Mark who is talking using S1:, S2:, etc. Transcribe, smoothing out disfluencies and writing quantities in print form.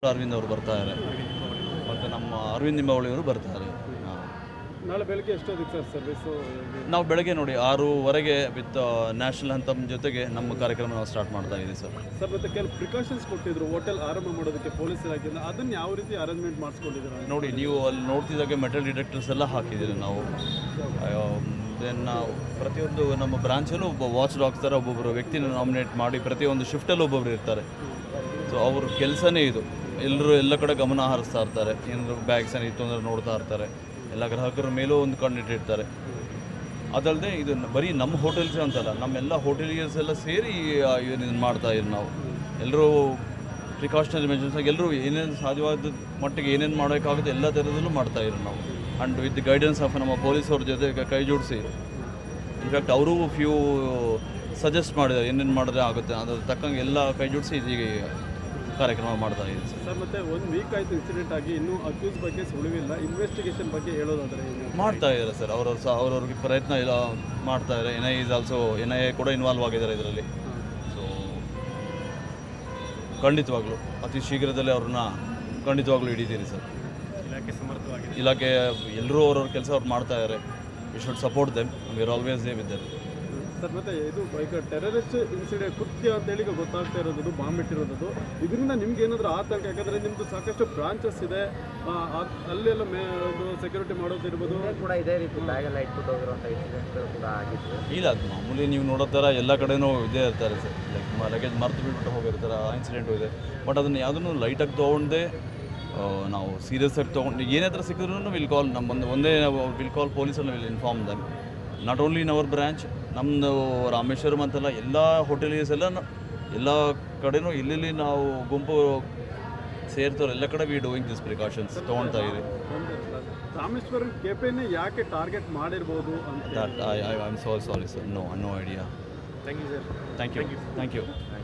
S1: ಅರವಿಂದ್ ಅವರು ಬರ್ತಾರೆ ಮತ್ತು ನಮ್ಮ ಅರವಿಂದ್ ನಿಂಬಾವಳಿಯವರು ಬರ್ತಾರೆ.
S2: ನಾಳೆ ಬೆಳಗ್ಗೆ ಎಷ್ಟೊತ್ತಿಗೆ ಸರ್ ಸರ್ವಿಸು?
S1: ನಾವು ಬೆಳಗ್ಗೆ ನೋಡಿ 6:15 ವಿತ್ ನ್ಯಾಷನಲ್ ಅಂತಮ್ ಜೊತೆಗೆ ನಮ್ಮ ಕಾರ್ಯಕ್ರಮ ನಾವು ಸ್ಟಾರ್ಟ್ ಮಾಡ್ತಾ ಇದ್ದೀವಿ ಸರ್.
S2: ಮತ್ತು ಕೆಲವು ಪ್ರಿಕಾಷನ್ಸ್ ಕೊಟ್ಟಿದ್ರು ಹೋಟೆಲ್ ಆರಂಭ ಮಾಡೋದಕ್ಕೆ ಪೊಲೀಸ್ ಇಲಾಖೆಯಿಂದ, ಅದನ್ನು ಯಾವ ರೀತಿ ಅರೇಂಜ್ಮೆಂಟ್ ಮಾಡಿಸ್ಕೊಂಡಿದ್ದೀರಾ?
S1: ನೋಡಿ, ನೀವು ಅಲ್ಲಿ ನೋಡ್ತಿದ್ದಾಗೆ ಮೆಟಲ್ ಡಿಟೆಕ್ಟರ್ಸ್ ಎಲ್ಲ ಹಾಕಿದ್ದೀರಿ ನಾವು. ದೆನ್ ನಾವು ಪ್ರತಿಯೊಂದು ನಮ್ಮ ಬ್ರಾಂಚಲ್ಲೂ ಒಬ್ಬ ವಾಚ್ ಡಾಗ್ಸ್ ಥರ ಒಬ್ಬೊಬ್ಬರು ವ್ಯಕ್ತಿನ ನಾಮಿನೇಟ್ ಮಾಡಿ ಪ್ರತಿಯೊಂದು ಶಿಫ್ಟಲ್ಲಿ ಒಬ್ಬೊಬ್ಬರು ಇರ್ತಾರೆ. ಸೊ ಅವ್ರ ಕೆಲಸನೇ ಇದು. ಎಲ್ಲರೂ ಎಲ್ಲ ಕಡೆ ಗಮನ ಹರಿಸ್ತಾ ಇರ್ತಾರೆ, ಏನಾದರೂ ಬ್ಯಾಗ್ಸ್ ಏನಿತ್ತು ಅಂದರೆ ನೋಡ್ತಾ ಇರ್ತಾರೆ, ಎಲ್ಲ ಗ್ರಾಹಕರ ಮೇಲೂ ಒಂದು ಕಣ್ಣಿಟ್ಟಿರ್ತಾರೆ. ಅದಲ್ಲದೆ ಇದು ಬರೀ ನಮ್ಮ ಹೋಟೆಲ್ಸ್ ಅಂತಲ್ಲ, ನಮ್ಮೆಲ್ಲ ಹೋಟೆಲಿಯರ್ಸ್ ಎಲ್ಲ ಸೇರಿ ಇದನ್ನು ಮಾಡ್ತಾ ಇದ್ದೀವಿ ನಾವು. ಎಲ್ಲರೂ ಪ್ರಿಕಾಷನರಿ ಮೆಜರ್ಸ್ ಆಗಿ ಎಲ್ಲರೂ ಏನೇನು ಸಾಧ್ಯವಾದ ಮಟ್ಟಿಗೆ ಏನೇನು ಮಾಡೋಕ್ಕಾಗುತ್ತೆ ಎಲ್ಲ ಥರದಲ್ಲೂ ಮಾಡ್ತಾಯಿದ್ರು ನಾವು. And with the guidance of ನಮ್ಮ ಪೊಲೀಸವ್ರ ಜೊತೆ ಕೈ ಜೋಡಿಸಿ, ಇನ್ಫ್ಯಾಕ್ಟ್ ಅವರು ಫ್ಯೂ ಸಜೆಸ್ಟ್ ಮಾಡಿದ್ದಾರೆ ಏನೇನು ಮಾಡಿದ್ರೆ ಆಗುತ್ತೆ, ಅದ್ರ ತಕ್ಕಂಗೆ ಎಲ್ಲ ಕೈ ಜೋಡಿಸಿ ಈಗ ಕಾರ್ಯಕ್ರಮ ಮಾಡ್ತಾ ಇದ್ದೀವಿ
S2: ಸರ್. ಮತ್ತು 1 ವೀಕ್ ಆಯಿತು ಇನ್ಸಿಡೆಂಟ್ ಆಗಿ, ಇನ್ನೂ ಅಕ್ಯೂಸ್ ಬಗ್ಗೆ ಸುಳಿವಿಲ್ಲ. ಇನ್ವೆಸ್ಟಿಗೇಷನ್ ಬಗ್ಗೆ ಹೇಳೋದಾದರೆ
S1: ಮಾಡ್ತಾ ಇದ್ದಾರೆ ಸರ್. ಅವ್ರವ್ರಿಗೆ ಪ್ರಯತ್ನ ಎಲ್ಲ ಮಾಡ್ತಾ ಇದ್ದಾರೆ. NIA ಕೂಡ ಇನ್ವಾಲ್ವ್ ಆಗಿದ್ದಾರೆ ಇದರಲ್ಲಿ. ಸೊ ಖಂಡಿತವಾಗ್ಲೂ ಅತಿ ಶೀಘ್ರದಲ್ಲೇ ಅವ್ರನ್ನ ಖಂಡಿತವಾಗ್ಲೂ ಹಿಡಿತೀರಿ ಸರ್. ಇಲಾಖೆ ಎಲ್ಲರೂ ಅವ್ರವ್ರ ಕೆಲಸ ಅವ್ರು ಮಾಡ್ತಾ ಇದ್ದಾರೆ. We should support them, we are always there with them
S2: sir. ಮತ್ತು ಇದು ಈಗ ಟೆರರಿಸ್ಟ್ ಇನ್ಸಿಡೆಂಟ್ ಕೃತ್ಯ ಅಂತೇಳಿ ಈಗ ಗೊತ್ತಾಗ್ತಾ ಇರೋದು, ಬಾಂಬ್ ಇಟ್ಟಿರೋದು, ಇದರಿಂದ ನಿಮ್ಗೆ ಏನಾದರೂ ಆತಂಕ? ಯಾಕಂದರೆ ನಿಮ್ಮದು ಸಾಕಷ್ಟು ಬ್ರಾಂಚಸ್ ಇದೆ, ಅಲ್ಲೆಲ್ಲ ಸೆಕ್ಯೂರಿಟಿ ಮಾಡೋದಿರ್ಬೋದು
S3: ಕೂಡ ಇದೇ ರೀತಿ ಬ್ಯಾಗೆಲ್ಲ ಇಟ್ಬಿಟ್ಟು ಹೋಗಿರುವಂಥ ಇನ್ಸಿಡೆಂಟ್ಗಳು ಕೂಡ ಆಗಿತ್ತು.
S1: ಇಲ್ಲ, ಅದು ಮಾಮೂಲಿ ನೀವು ನೋಡೋ ಥರ ಎಲ್ಲ ಕಡೆನೂ ಇದೇ ಇರ್ತಾರೆ ಸರ್. ಲಗೇಜ್ ಮರ್ತು ಬಿಟ್ಬಿಟ್ಟು ಹೋಗಿರ್ತಾರೆ, ಆ ಇನ್ಸಿಡೆಂಟು ಇದೆ. ಬಟ್ ಅದನ್ನು ಯಾವುದನ್ನು ಲೈಟಾಗಿ ತೊಗೊಂಡೆ ನಾವು ಸೀರಿಯಸ್ ಆಗಿ ತೊಗೊಂಡು ಏನೇ ಥರ ಸಿಕ್ಕಿದ್ರೂ ವಿಲ್ ಕಾಲ್ ಒಂದೇ ವಿಲ್ ಕಾಲ್ ಪೊಲೀಸನ್ನು will inform them. Not only in our branch, ನಮ್ಮದು ರಾಮೇಶ್ವರಂ ಅಂತಲ್ಲ, ಎಲ್ಲ ಹೋಟೆಲಿಯರ್ಸ್ ಎಲ್ಲ ಕಡೆನೂ ಇಲ್ಲಿ ನಾವು ಗುಂಪು ಸೇರ್ತಾರೆ, ಎಲ್ಲ ಕಡೆ ವಿ ಡೂಯಿಂಗ್ ದಿಸ್ ಪ್ರಿಕಾಷನ್ಸ್ ತೊಗೊಳ್ತಾ ಇದ್ದೀವಿ.
S2: ರಾಮೇಶ್ವರಂ ಕೆಫೆನೇ ಯಾಕೆ ಟಾರ್ಗೆಟ್ ಮಾಡಿರ್ಬೋದು ಅಂತ?
S1: I am sorry sir, no idea.
S2: Thank you sir.
S1: Thank you.